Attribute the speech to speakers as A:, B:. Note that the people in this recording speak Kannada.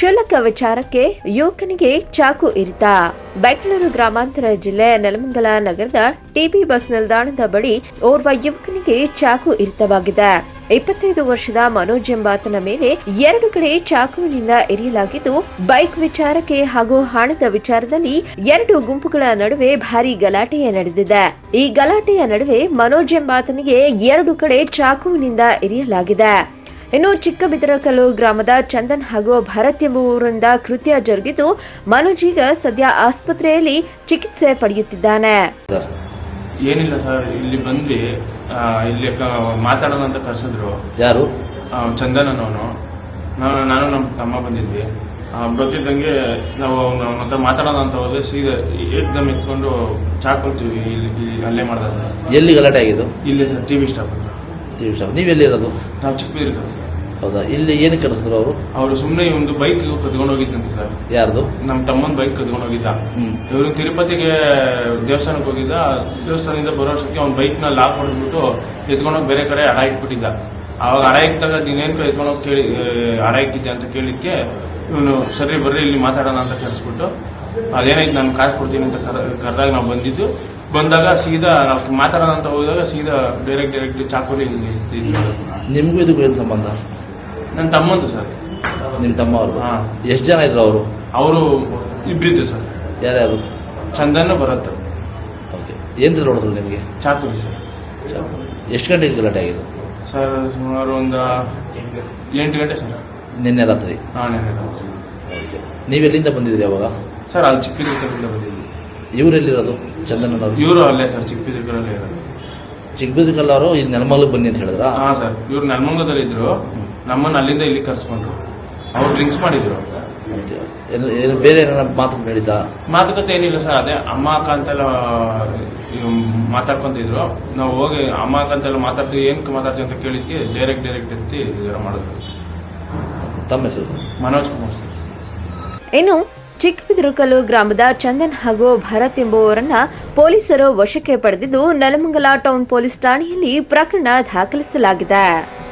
A: ಕ್ಷುಲ್ಲಕ ವಿಚಾರಕ್ಕೆ ಯುವಕನಿಗೆ ಚಾಕು ಇರಿತ. ಬೆಂಗಳೂರು ಗ್ರಾಮಾಂತರ ಜಿಲ್ಲೆ ನೆಲಮಂಗಲ ನಗರದ ಟಿಬಿ ಬಸ್ ನಿಲ್ದಾಣದ ಬಳಿ ಓರ್ವ ಯುವಕನಿಗೆ ಚಾಕು ಇರಿತವಾಗಿದೆ. 25 ವರ್ಷದ ಮನೋಜ್ ಎಂಬಾತನ ಮೇಲೆ 2 ಕಡೆ ಚಾಕುವಿನಿಂದ ಇರಿಯಲಾಗಿದ್ದು, ಬೈಕ್ ವಿಚಾರಕ್ಕೆ ಹಾಗೂ ಹಣದ ವಿಚಾರದಲ್ಲಿ 2 ಗುಂಪುಗಳ ನಡುವೆ ಭಾರೀ ಗಲಾಟೆ ನಡೆದಿದೆ. ಈ ಗಲಾಟೆಯ ನಡುವೆ ಮನೋಜ್ ಎಂಬಾತನಿಗೆ 2 ಕಡೆ ಚಾಕುವಿನಿಂದ ಇರಿಯಲಾಗಿದೆ. ಇನ್ನು ಚಿಕ್ಕಬಿದರಕಲ್ಲು ಗ್ರಾಮದ ಚಂದನ್ ಹಾಗೂ ಭರತ್ ಎಂಬುವರಿಂದ ಕೃತ್ಯ ಜರುಗಿದ್ದು, ಮನೋಜ್ ಈಗ ಸದ್ಯ ಆಸ್ಪತ್ರೆಯಲ್ಲಿ ಚಿಕಿತ್ಸೆ ಪಡೆಯುತ್ತಿದ್ದಾನೆ.
B: ಏನಿಲ್ಲ ಸರ್, ಇಲ್ಲಿ ಬಂದ್ವಿ, ಇಲ್ಲಿ ಮಾತಾಡೋಣ ಅಂತ ಕರೆಸಿದ್ರು.
C: ಯಾರು?
B: ಚಂದನ್ ಅನ್ನೋನು. ನಾನು ನಮ್ಮ ತಮ್ಮ ಬಂದಿದ್ವಿ. ಬರ್ತಿದ್ದಂಗೆ ನಾವು ಅವನ ಹತ್ರ ಮಾತಾಡೋಣ ಅಂತ ಹೋದ್ರೆ ಸೀದಾ ಏಕ್ದಮ್ ಎತ್ಕೊಂಡು ಚಾಕೊಂತೀವಿ ಇಲ್ಲಿ ಅಲ್ಲೇ ಮಾಡ್ದ ಸರ್.
C: ಎಲ್ಲಿ ಗಲಾಟೆ ಆಗಿದ್ದು?
B: ಇಲ್ಲೇ ಸರ್, ಟಿವಿ ಸ್ಟಾಪ್ ಅಂತ.
C: TV stop. ನೀವೆಲ್ಲಿರೋದು?
B: ನಾವು ಚಿಕ್ಕಬಿದರಕಲ್ಲು ಸರ್.
C: ಹೌದಾ? ಇಲ್ಲಿ ಏನು ಕರೆಸಿದ್ರು ಅವರು?
B: ಅವರು ಸುಮ್ಮನೆ ಒಂದು ಬೈಕ್ ಕದ್ಕೊಂಡು ಹೋಗಿದ್ದಂತೆ ಸರ್.
C: ಯಾರ್ದು?
B: ನಮ್ಮ ತಮ್ಮನ ಬೈಕ್ ಕದ್ಕೊಂಡು ಹೋಗಿದ್ದ. ಇವರು ತಿರುಪತಿಗೆ ದೇವಸ್ಥಾನಕ್ಕೆ ಹೋಗಿದ್ದ. ದೇವಸ್ಥಾನದಿಂದ ಬರೋ ಅಷ್ಟೊತ್ತಿಗೆ ಅವ್ನ ಬೈಕ್ ನ ಲಾಕ್ ಹೊಡೆದ್ಬಿಟ್ಟು ಎತ್ಕೊಂಡೋಗಿ ಬೇರೆ ಕಡೆ ಅಡ ಇಟ್ಬಿಟ್ಟಿದ್ದ. ಅವಾಗ ಅಡ ಇಟ್ಟಾಗ ನೀನೇನ್ ಎತ್ಕೊಂಡೋಗಿ ಕೇಳಿ ಅಡ ಇಟ್ಟಿದ್ದೆ ಅಂತ ಕೇಳಿದ್ಕೆ ಇವನು ಸರಿ ಬರ್ರಿ ಇಲ್ಲಿ ಮಾತಾಡೋಣ ಅಂತ ಕರೆಸ್ಬಿಟ್ಟು ಅದೇನಾಯ್ತು ನಾನು ಕಾಸು ಕೊಡ್ತೀನಿ ಅಂತ ಕರೆದಾಗ ನಾವು ಬಂದಿದ್ದು. ಬಂದಾಗ ಸೀದಾ ನಾವು ಮಾತಾಡೋಣ ಅಂತ ಹೋದಾಗ ಸೀದಾ ಡೈರೆಕ್ಟ್ ಚಾಕುಲಿ.
C: ನಿಮ್ಗೂ ಇದಕ್ಕೂ ಏನು ಸಂಬಂಧ?
B: ನನ್ನ ತಮ್ಮಂದು ಸರ್.
C: ನಿಮ್ಮ ತಮ್ಮ ಅವರು?
B: ಹಾ.
C: ಎಷ್ಟು ಜನ ಇದ್ರು ಅವರು?
B: ಅವರು ಇಬ್ಬರಿದ್ರು ಸರ್.
C: ಯಾರ್ಯಾರು?
B: ಚಂದನ್ ಬರತ್ತ.
C: ಓಕೆ. ಏನ್ ನೋಡಿದ್ರು ನಿಮಗೆ?
B: ಚಾಕುಲಿ ಸರ್.
C: ಚಾಕು. ಎಷ್ಟು ಗಂಟೆಗೆ ಗಲಾಟೆ ಆಗಿದೆ
B: ಸರ್? ಸುಮಾರು ಒಂದು 8 ಗಂಟೆ ಸರ್.
C: ನಿನ್ನೆ ರಾತ್ರಿ?
B: ನಿನ್ನೆ ರಾತ್ರಿ.
C: ಓಕೆ. ನೀವೆಲ್ಲಿಂದ ಬಂದಿದ್ರಿ ಅವಾಗ?
B: ಸರ್ ಅಲ್ಲಿ ಚಿಕ್ಕಬಿದರಕಲ್ಲಿಂದ ಬಂದಿದ್ವಿ.
C: ಇವರೆಲ್ಲಿರೋದು? ಚಂದನ್ ಅವರು?
B: ಇವರು ಅಲ್ಲೇ ಸರ್, ಚಿಕ್ಕಬಿದರಕಲ್ಲೇ ಇರೋದು.
C: ಚಿಕ್ಕಬಿದರಕಲ್ಲ ಅವರು ಇಲ್ಲಿ ನೆಲಮಂಗಲಕ್ಕೆ ಬನ್ನಿ ಅಂತ ಹೇಳಿದ್ರ?
B: ಹಾ ಸರ್, ಇವ್ರು ನೆಲಮಂಗಲದಲ್ಲಿ ಇದ್ರು. ನಮ್ಮನ್ನ ಅಲ್ಲಿಂದ ಇಲ್ಲಿ ಕರ್ಸ್ಕೊಂಡ್ರು. ಅವ್ರು ಡ್ರಿಂಕ್ಸ್ ಮಾಡಿದ್ರು.
C: ಬೇರೆ ಏನಾರ ಮಾತುಕತೆ ನಡೀತಾ?
B: ಮಾತುಕತೆ ಏನಿಲ್ಲ ಸರ್, ಅದೇ ಅಮ್ಮ ಅಕ್ಕ ಅಂತೆಲ್ಲ ಮಾತಾಡ್ಕೊಂತಿದ್ರು. ನಾವು ಹೋಗಿ ಅಮ್ಮ ಅಕ್ಕ ಅಂತೆಲ್ಲ ಮಾತಾಡ್ತೀವಿ, ಏನಕ್ಕೆ ಮಾತಾಡ್ತೀವಿ ಅಂತ ಕೇಳಿದ್ಕೆ ಡೈರೆಕ್ಟ್ ಎತ್ತಿ ಇದರ ಮಾಡಿದ್ರು.
C: ತಮ್ಮ ಹೆಸರು?
B: ಮನೋಜ್ ಕುಮಾರ್ ಸರ್.
A: ಇನ್ನು ಚಿಕ್ಕಬಿದರಕಲ್ಲು ಗ್ರಾಮದ ಚಂದನ್ ಹಾಗೂ ಭರತ್ ಎಂಬುವರನ್ನ ಪೊಲೀಸರು ವಶಕ್ಕೆ ಪಡೆದಿದ್ದು, ನೆಲಮಂಗಲ ಟೌನ್ ಪೊಲೀಸ್ ಠಾಣೆಯಲ್ಲಿ ಪ್ರಕರಣ ದಾಖಲಿಸಲಾಗಿದೆ.